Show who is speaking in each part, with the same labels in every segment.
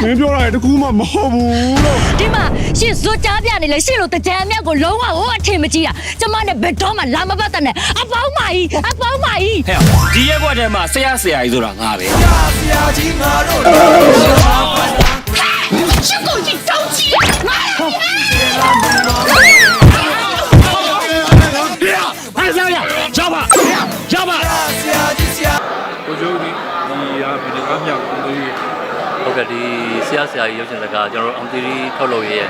Speaker 1: မင်းပြောတာတကူမှမဟုတ်ဘူးလို့
Speaker 2: ဒီမှာရှင်ဇွတ်ကြားပြနေလေရှင်လို့တကြံအမြတ်ကိုလုံးဝအထင်မကြီးတာကျမနဲ့ဘယ်တော့မှလာမပတ်တဲ့နဲ့အပေါင်းမကြီး
Speaker 3: ဟဲ့ဒီရက်ကွက်ထဲမှာဆရာကြီးဆိုတာငါပဲ
Speaker 4: ဆရာကြီးငါတို့
Speaker 2: ရှင်ကိုကြီးတောင်းကြီးငါ
Speaker 3: ဟဲ့ဆရာကြောက်ပါကြောက်ပါ
Speaker 4: ဆရာကြီးဆရာ
Speaker 1: ကိုကျိုးဒီဟာဘယ်ကားမြောက်ကိုကြီး
Speaker 5: ဟုတ်ကဲ့ဒီဆရာကြီးရုပ်ရှင်ဇာတ်ကားကျွန်တော်တို့အောင်တီရီထုတ်လုပ်ရဲ့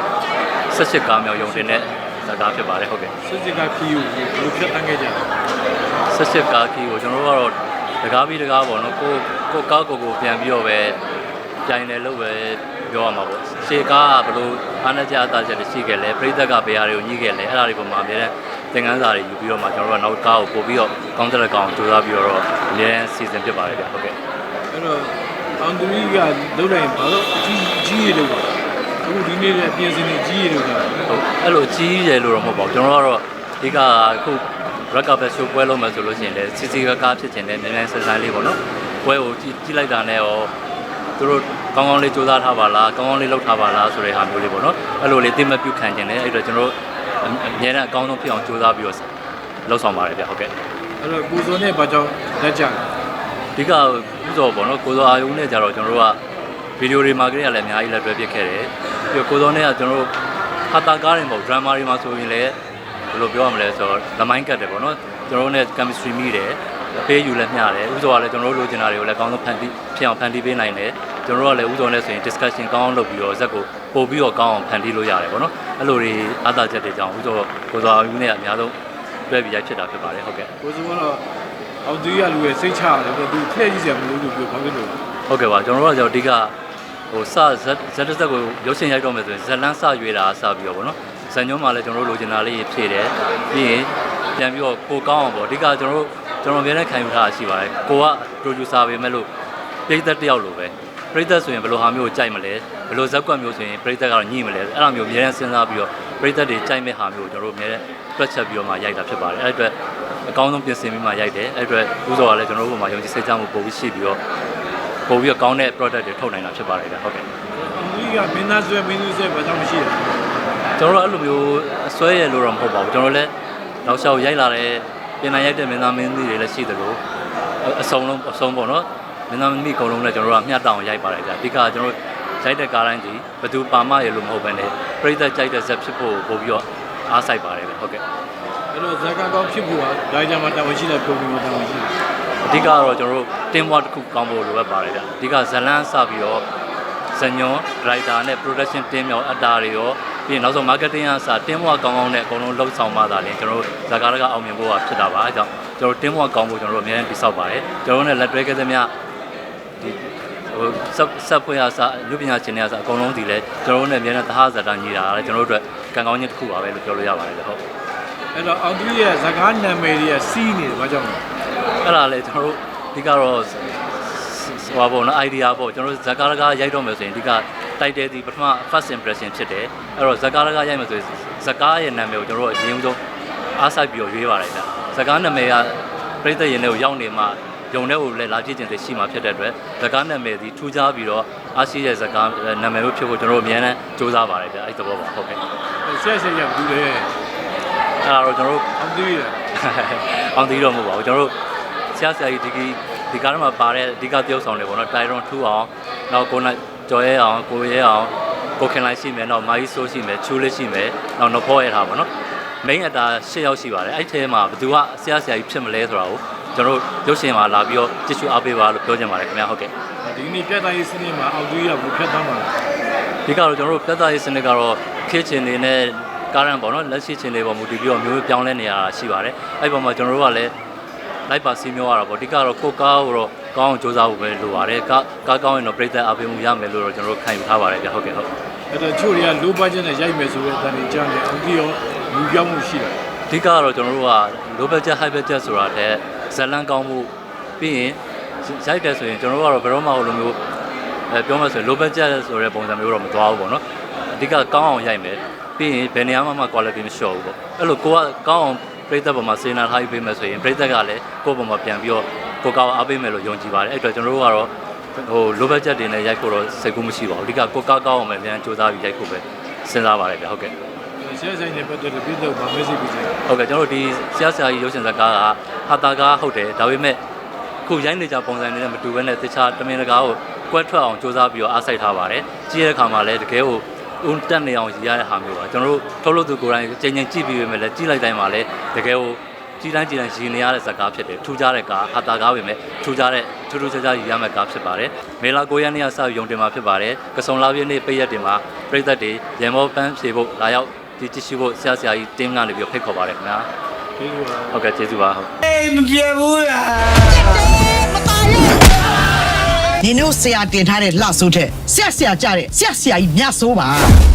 Speaker 5: 18ကားမြောက်ရုံတင်တဲ့ဇာတ်ကားဖြစ်ပါတယ်ဟုတ်ကဲ့
Speaker 1: စစ်စစ်ကခီးကိုဘယ်လိုဖြတ်တန်းခဲ့ကြလဲ
Speaker 5: 18ကားကြီးကိုကျွန်တော်တို့ကတော့တကားပြီးတကားပေါ့နော်ကိုကားကိုပြန်ပြီးတော့ပဲပြိုင်တယ်လို့ပဲပြောရမှာပေါ့ရှေကားကဘယ်လိုအားနဲ့ကြအသားချက်တွေရှိခဲ့လဲပြိသက်ကဘယ်ဟာတွေကိုညှိခဲ့လဲအဲ့ဒါတွေပုံမှာအများနဲ့သင်ခန်းစာတွေယူပြီးတော့မှကျွန်တော်တို့ကနောက်ကားကိုပို့ပြီးတော့ကောင်းတဲ့ကောင်ကြိုးစားပြီးတော့အများနဲ့စီစဉ်ဖြစ်ပါတယ်ဗျဟုတ်ကဲ့
Speaker 1: အဲ့တော့အောင်သူကြီးကလုံးလိုက်ဘာလို့ကြီးရလို့ပါအခုဒီနေ့လည်းပြင်စင်နေကြီးရလို့က
Speaker 5: ဟုတ်အဲ့လိုကြီးတယ်လို့တော့မဟုတ်ပါဘူးကျွန်တော်ကတော့ဒီကအခု rock up show ပွဲလုပ်မယ်ဆိုလို့ရှိရင်လည်းစီစီကားဖြစ်ချင်တယ်နည်းနည်းဆန်းဆန်းလေးပေါ့နော်ပွဲကိုကြည့်လိုက်တာနဲ့ရောသူတို့ကောင်းကောင်းလေးစူးစမ်းထားပါလားကောင်းကောင်းလေးလုပ်ထားပါလားဆိုတဲ့ဟာမျိုးလေးပေါ့နော်အဲ့လိုလေးသိမပြုခံကျင်တယ်အဲ့တော့ကျွန်တော်တို့အများနဲ့အကောင်းဆုံးဖြစ်အောင်စူးစမ်းပြီးတော့လုပ်ဆောင်ပါတယ်ဗျဟုတ်ကဲ့
Speaker 1: အဲ့တော့ကိုစောနဲ့ဘာကြောင့်လက်ကြလဲ
Speaker 5: ဒီကဥစောပေါ့နော်ကိုစောအာယုံနဲ့ကြတော့ကျွန်တော်တို့ကဗီဒီယိုတွေမှာကလေးကလည်းအများကြီးလက်တွဲပြစ်ခဲ့တယ်ပြီးတော့ကိုစောနဲ့ကကျွန်တော်တို့ဟာတာကားတွေမဟုတ်ဒရမာတွေမှာဆိုရင်လည်းဘယ်လိုပြောရမလဲဆိုတော့လမိုင်းကတ်တယ်ပေါ့နော်ကျွန်တော်တို့နဲ့ chemistry မိတယ်အပေးယူလည်းမျှတယ်ဥစောကလည်းကျွန်တော်တို့လိုချင်တာတွေကိုလည်းအကောင်းဆုံးဖန်တီးဖြစ်အောင်ဖန်တီးပေးနိုင်တယ်ကျွန်တော်တို့ကလည်းဥစောနဲ့ဆိုရင် discussion ကောင်းအောင်လုပ်ပြီးတော့ဇက်ကိုပို့ပြီးတော့ကောင်းအောင်ဖန်တီးလို့ရတယ်ပေါ့နော်အဲ့လိုတွေအားသာချက်တွေကြောင့်ဥစောကိုစောအာယုံနဲ့အများဆုံးတွဲပြီးရိုက်ဖြစ်တာဖြစ်ပါတယ်ဟုတ်ကဲ့
Speaker 1: ကိုစောကတော့အောင်သူကြီးကလူရဲ့စိတ်ချရတယ်သူထည့်ကြည့်စရာမလိုဘူးပြောဘာဖြစ်လို့
Speaker 5: ဟုတ်ကဲ့ပါကျွန်တော်တို့ကကျွန်တော်အဓိကဟိုစဇက်ကိုရုပ်ရှင်ရိုက်တော့မယ်ဆိုရင်ဇက်လန်းစရွေးတာစပြီးတော့ဗောနော်ဇန်ညုံးမှာလည်းကျွန်တော်တို့လိုချင်တာလေးဖြည့်တယ်ပြီးရင်ပြန်ပြီးတော့ကိုကောင်းအောင်ဗောအဓိကကျွန်တော်အများနဲ့ခံယူထားတာရှိပါတယ်ကိုက producer ပဲမဲ့လို့ပြည်သက်တယောက်လိုပဲပြည်သက်ဆိုရင်ဘယ်လိုဟာမျိုးကိုကြိုက်မလဲဘယ်လိုဇက်ကွက်မျိုးဆိုရင်ပြည်သက်ကတော့ညှိမလဲအဲ့လိုမျိုးအများနဲ့စဉ်းစားပြီးတော့ပြည်သက်တွေကြိုက်မဲ့ဟာမျိုးကိုကျွန်တော်တို့အများနဲ့တွက်ချက်ပြီးတော့မှရိုက်တာဖြစ်ပါတယ်အဲ့အတွက်အကောင်းဆုံးပြင်ဆင်ပြီးမှရိုက်တယ်အဲ့အတွက်ဥစောကလည်းကျွန်တော်တို့ဘုံမှာယုံကြည်စိတ်ချမှုပို့ပြီးရှိပြီးတော့ပို့ပြီးတော့ကောင်းတဲ့ product တွေထုတ်နိုင်တာဖြစ်ပါတယ်ဗျဟုတ်ကဲ့
Speaker 1: အောင်သူကြီးကမင်းသားဆွဲမင်းသူဆွဲဘာကြောင့်မရှိလဲ
Speaker 5: ကျွန်တော်တို့အဲ့လိုမျိုးအစွဲရလို့တော့မဟုတ်ပါဘူးကျွန်တော်လည်းနောက်လျှောက်ရိုက်လာတဲ့ပြင်လာရိုက်တဲ့မင်းသားမင်းသမီးတွေလည်းရှိတယ်လို့အစုံပေါ့နော်မင်းသားမင်းသမီးအကုန်လုံးလည်းကျွန်တော်တို့ကမျှတောင်ရိုက်ပါတယ်ဗျအဓိကကျွန်တော်တို့ရိုက်တဲ့ကားတိုင်းဒီဘသူပါမရလို့မဟုတ်ဘဲနဲ့ပြိသက်ကြိုက်တဲ့ဇက်ဖြစ်ဖို့ပို့ပြီးတော့အားစိုက်ပါတယ်ဗျဟုတ်ကဲ့
Speaker 1: အဲ့တော့ဇာတ်ကားကောင်းဖြစ်ဖို့ကဒါကြမှာတာဝန်ရှိတဲ့ပုံစံတာဝန်ရှိတယ်
Speaker 5: အဓိကတော့ကျွန်တော်တို့ team work တစ်ခုကောင်းဖို့လိုအပ်ပါတယ်ဗျအဓိကဇလန်းစပြီးတော့ဇညွန် writer နဲ့ production team ရောအတားတွေရောပြီးရင်နောက်ဆုံး marketing အစား team work ကောင်းနဲ့အကုန်လုံးလှုပ်ဆောင်မှသာလေကျွန်တော်တို့ဇာတ်ကားကအောင်မြင်ဖို့ကဖြစ်တာပါအဲကြောင့်ကျွန်တော်တို့ team work ကောင်းဖို့ကျွန်တော်တို့အများကြီးတိစောက်ပါတယ်ကျွန်တော်တို့နဲ့လက်တွဲခဲ့သမျှဒီဟိုဆက်ဖွဲ့အစားလူပညာရှင်တွေအစားအကုန်လုံးဒီလဲကျွန်တော်တို့နဲ့အများနဲ့သဟဇာတာညီတာလည်းကျွန်တော်တို့အတွက်ကံကောင်းခြင်းတစ်ခုပါပဲလို့ပြောလို့ရပါတယ်ဟုတ်
Speaker 1: အဲ့တော့အောင်သူကြီးရဲ့ဇာတ်ကားနာမည်တွေကစီးနေတယ်ဘာကြောင့်လဲ
Speaker 5: အဲ့ဒါလေကျွန်တော်တို့ဒီကတော့ဟိုပါပေါ့နော် idea ပေါ့ကျွန်တော်တို့ဇကာရကရိုက်တော့မယ်ဆိုရင်ဒီက title ဒီပထမ first impression ဖြစ်တယ်အဲ့တော့ဇကာရကရိုက်မယ်ဆိုရင်ဇကာရဲ့နာမည်ကိုကျွန်တော်တို့အရင်ဆုံးအားစိုက်ပြီးတော့ရွေးပါတယ်ဗျဇကာနာမည်ကပြည်သက်ရင်တွေကိုရောက်နေမှယုံတဲ့ကိုလည်းလာကြည့်ခြင်းတွေရှိမှဖြစ်တဲ့အတွက်ဇကာနာမည်ဒီထူးခြားပြီးတော့အားရှိတဲ့ဇကာနာမည်ကိုဖြစ်ဖို့ကျွန်တော်တို့အများနဲ့စူးစမ်းပါတယ်ဗျအဲ့သဘောပါဟုတ်ကဲ့
Speaker 1: ဆက်ဆက်ရဘူးလေ
Speaker 5: အဲ့ဒါတော့ကျွန်တော်တို့
Speaker 1: အောင်သူကြီး
Speaker 5: အောင်သေးတော့မဟုတ်ပါဘူးကျွန်တော်တို့ဆရာကြီးဒီကားထဲမှာပါတဲ့အဓိကပြောဆောင်တွေပေါ့နော်တိုင်ရွန်ထူအောင်နောက်ကိုနိုင်ကျော်ရဲအောင်ကိုရဲအောင်ကိုခင်လိုက်ရှိမယ်နောက်မာကြီးဆိုးရှိမယ်ချူလေးရှိမယ်နောက်နဖောရဲထားပါနော်မိန်းအတာ10ယောက်ရှိပါတယ်အဲ့ထဲမှာဘယ်သူကဆရာကြီးဖြစ်မလဲဆိုတာကိုကျွန်တော်တို့ရုပ်ရှင်မှာလာပြီးတော့ကြည့်ရှုအားပေးပါလို့ပြောချင်ပါတယ်ခင်ဗျာဟုတ်ကဲ့
Speaker 1: ဒီနေ့ပြတ်သားရေးစနစ်မှာအောင်သူကြီးကဘယ်ဖြတ်သားမှာလဲ
Speaker 5: ဒီကတော့ကျွန်တော်တို့ပြတ်သားရေးစနစ်ကတော့ခေတ်ချင်းနေနဲ့ကားရန်ပေါ့နော်လက်ရှိချင်းတွေပေါ်မူတည်ပြီးတော့မျိုးပြောင်းလဲနေရတာရှိပါတယ်အဲ့ပေါ်မှာကျွန်တော်တို့ကလည်းလိုက်ပါစီးမျိုးရတာပေါ့ဒီကတော့ကိုကားကိုတော့ကောင်းအောင်စူးစမ်းဖို့ပဲလိုပါတယ်ကားကောင်းရင်တော့ပြည်သက်အားပေးမှုရမယ်လို့တော့ကျွန်တော်တို့ခံယူထားပါတယ်ဗျဟုတ်ကဲ့ဟုတ်
Speaker 1: အဲ့တော့ချို့တွေက low budget နဲ့ရိုက်မယ်ဆိုတဲ့အတန်ကြီးကြားနေအောင်ကြီးရောလူပြောင်းမှုရှိတယ်
Speaker 5: အဓိကတော့ကျွန်တော်တို့က low budget high budget ဆိုတာတဲ့ဇလန်ကောင်းမှုပြီးရင်ရိုက်တယ်ဆိုရင်ကျွန်တော်တို့ကတော့ဘယ်တော့မှလိုမျိုးပြောမှဆိုရင် low budget ဆိုတဲ့ပုံစံမျိုးတော့မသွားဘူးပေါ့နော်အဓိကကောင်းအောင်ရိုက်မယ်ပြီးရင်ဘယ်နေရာမှ quality မလျှော့ဘူးပေါ့အဲ့လိုကိုကကောင်းအောင်ပြည်သက်ပေါ်မှာစေနာထားပြီးပေးမယ်ဆိုရင်ပြည်သက်ကလည်းကိုယ့်ပေါ်မှာပြန်ပြီးတော့ကိုကောက်အားပေးမယ်လို့ယုံကြည်ပါတယ်အဲ့အတွက်ကျွန်တော်တို့ကတော့လိုဘတ်ချက်တွေနဲ့ရိုက်ဖို့တော့စိတ်ကူးမရှိပါဘူးအဓိကကိုကောက်ကောက်အောင်ပဲပြန်စူးစမ်းပြီးရိုက်ဖို့ပဲစဉ်းစားပါတယ်ဗျဟုတ်ကဲ့
Speaker 1: ဆရာဆိုင်နဲ့ပတ်သက်လို့ပြည်တော့ဗာ message ပေးချင်
Speaker 5: ဟုတ်ကဲ့ကျွန်တော်တို့ဒီဆရာကြီးရုပ်ရှင်ဇာတ်ကားကဟာတာကားဟုတ်တယ်ဒါပေမဲ့ခုရိုင်းနေကြပုံစံတွေနဲ့မတူဘဲနဲ့တခြားတမင်တကာကိုကွက်ထွက်အောင်စူးစမ်းပြီးတော့အားစိုက်ထားပါတယ်ကြည့်ရတဲ့အခါမှာလည်းတကယ်ကိုဦးတက်နေအောင်ရရတဲ့ဟာမျိုးပါကျွန်တော်တို့ထုတ်လို့သူကိုယ်တိုင်ချိန်ချိန်ကြည့်ပြီးပဲလည်းကြည့်လိုက်တိုင်းမှာလည်းတကယ်ကိုကြည်တိုင်းရည်နေရတဲ့ဇာတ်ကားဖြစ်တယ်ထူးခြားတဲ့ကားဟာတာကားပဲမဲ့ထူးခြားတဲ့ထူးထူးခြားခြားရည်ရမယ့်ကားဖြစ်ပါတယ်မေလာ9ရက်နေ့ကစရုံတင်မှာဖြစ်ပါတယ်ကစုံလာပြည့်နေ့ပိတ်ရက်တင်မှာပြည်သက်တွေရန်မောပန်းဖြေဖို့လာရောက်ဒီတ िश ဖို့ဆရာကြီးတင်းကနေပြီးဖိတ်ခေါ်ပါတယ်ခင်ဗျာ
Speaker 1: ကျေးဇူးပါ
Speaker 5: ဟုတ်ကဲ့ကျေးဇူးပါဟုတ်
Speaker 4: အေးမပြေဘူးလား
Speaker 6: နင်တို့ဆရာတင်ထားတဲ့လှဆိုးတဲ့ဆရာကြတဲ့ဆရာကြီးမြတ်ဆိုးပါ